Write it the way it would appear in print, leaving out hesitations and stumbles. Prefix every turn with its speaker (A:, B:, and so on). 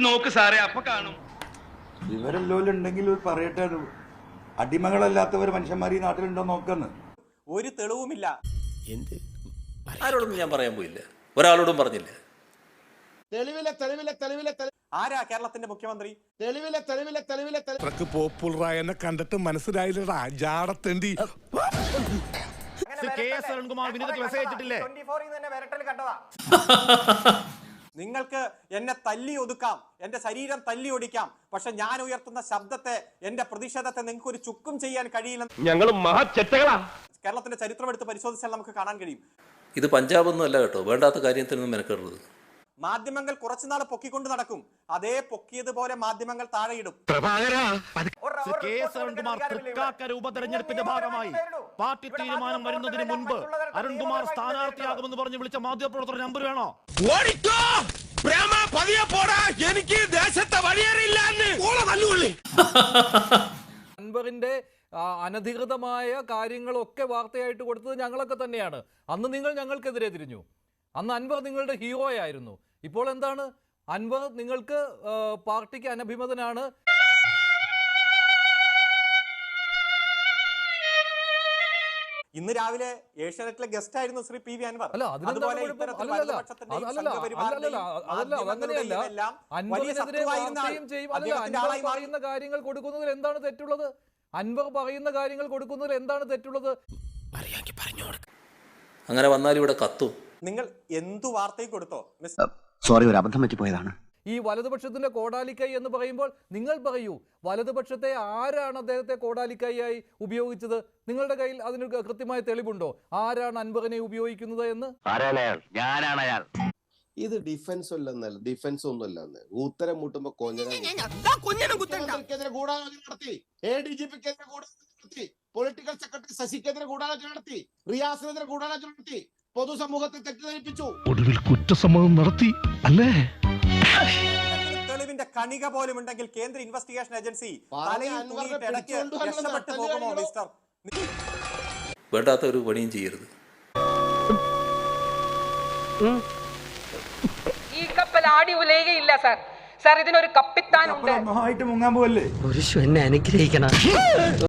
A: നോക്ക് സാറേ, അപ്പൊ കാണും.
B: വിവരല്ലോലുണ്ടെങ്കിൽ പറയട്ടെ, അടിമകളല്ലാത്തവർ മനുഷ്യന്മാർ ഈ നാട്ടിലുണ്ടോ നോക്കുന്നു.
C: ഒരു തെളിവുമില്ല. ആരോടൊന്നും ഞാൻ പറയാൻ പോയില്ല, ഒരാളോടും പറഞ്ഞില്ല. ആരാ കേരളത്തിന്റെ മുഖ്യമന്ത്രി?
D: പോപ്പുലറായ കണ്ടിട്ട് മനസ്സിലായില്ലടാ ജാടത്തേണ്ടി.
C: നിങ്ങൾക്ക് എന്നെ തല്ലി ഒതുക്കാം, എന്റെ ശരീരം തല്ലി ഒടിക്കാം, പക്ഷെ ഞാൻ ഉയർത്തുന്ന ശബ്ദത്തെ, എന്റെ പ്രതിഷേധത്തെ നിങ്ങൾക്ക് ഒരു ചുക്കും ചെയ്യാൻ കഴിയില്ലെന്ന്
A: ഞങ്ങൾ മഹാചെറ്റകളാ.
C: കേരളത്തിന്റെ ചരിത്രം എടുത്ത് പരിശോധിച്ചാൽ നമുക്ക് കാണാൻ കഴിയും.
E: ഇത് പഞ്ചാബൊന്നും അല്ല കേട്ടോ, വേണ്ടാത്ത കാര്യത്തിനൊന്നും മെനക്കെടുന്നത്.
C: മാധ്യമങ്ങൾ കുറച്ചുനാൾ പൊക്കിക്കൊണ്ട് നടക്കും, അതേ പൊക്കിയതുപോലെ മാധ്യമങ്ങൾ താഴെയിടും.
F: ഉപതെരഞ്ഞെടുപ്പിന്റെ ഭാഗമായി പാർട്ടി തീരുമാനം വരുന്നതിന് മുൻപ് അരുൺകുമാർ സ്ഥാനാർത്ഥിയാകുമെന്ന് പറഞ്ഞ് വിളിച്ച മാധ്യമപ്രവർത്തകർ നമ്പർ വേണോ?
D: എനിക്ക് ദേശത്തെ വഴിയേറിയില്ല.
G: അൻവറിന്റെ അനധികൃതമായ കാര്യങ്ങളൊക്കെ വാർത്തയായിട്ട് കൊടുത്തത് ഞങ്ങളൊക്കെ തന്നെയാണ്. അന്ന് നിങ്ങൾ ഞങ്ങൾക്കെതിരെ തിരിഞ്ഞു. അന്ന് അൻവർ നിങ്ങളുടെ ഹീറോ ആയിരുന്നു. ഇപ്പോൾ എന്താണ്? അൻവർ നിങ്ങൾക്ക് പാർട്ടിക്ക് അനഭിമതനാണ്.
C: ഇന്ന് രാവിലെ ഏഷ്യാനെറ്റിലെ ഗസ്റ്റ് ആയിരുന്നു ശ്രീ പി വി അൻവർ.
G: പറയുന്ന കാര്യങ്ങൾ കൊടുക്കുന്നതിൽ എന്താണ് തെറ്റുള്ളത്? അൻവർ പറയുന്ന കാര്യങ്ങൾ കൊടുക്കുന്നതിൽ എന്താണ് തെറ്റുള്ളത്?
E: അങ്ങനെ വന്നാൽ ഇവിടെ കത്തും.
C: നിങ്ങൾ എന്തു വാർത്തയും കൊടുത്തോ?
H: സോറി, ഒരു അബദ്ധം പറ്റിപ്പോയതാണ്.
G: ഈ വലതുപക്ഷത്തിന്റെ കോടാലിക്കൈ എന്ന് പറയുമ്പോൾ നിങ്ങൾ പറയൂ, വലതുപക്ഷത്തെ ആരാണ് അദ്ദേഹത്തെ കോടാലിക്കൈയായി ഉപയോഗിച്ചത്? നിങ്ങളുടെ കയ്യിൽ അതിന് കൃത്യമായ തെളിവുണ്ടോ? ആരാണ് അൻവറിനെ ഉപയോഗിക്കുന്നത് എന്ന്?
I: ഇത് ഡിഫൻസ് ഒന്നുമല്ല. ഉത്തരം മുട്ടുമ്പോ പൊളിറ്റിക്കൽ സെക്രട്ടറി ശശിക്കെതിരെ ഗൂഢാലോചന നടത്തി, റിയാസിനെതിരെ ഗൂഢാലോചന നടത്തി, പൊതുസമൂഹത്തെ തെറ്റിദ്ധരിപ്പിച്ചു,
D: ഒടുവിൽ കുറ്റസമ്മതം നടത്തി അല്ലേ?
C: തെളിവിന്റെ കണിക പോലും ഉണ്ടെങ്കിൽ കേന്ദ്ര ഇൻവെസ്റ്റിഗേഷൻ ഏജൻസി രക്ഷപ്പെട്ടു പോകുമോ മിസ്റ്റർ?
E: വേണ്ടാത്ത ഒരു പണിയും ചെയ്യരുത്.
J: ഈ കപ്പൽ ആടി ഉലയുകയില്ല സാർ. സാർ ഇതിനൊരു കപ്പിത്താനുണ്ട്.
B: മുങ്ങാൻ പോവല്ലേ?
H: എന്നെ അനുഗ്രഹിക്കണം.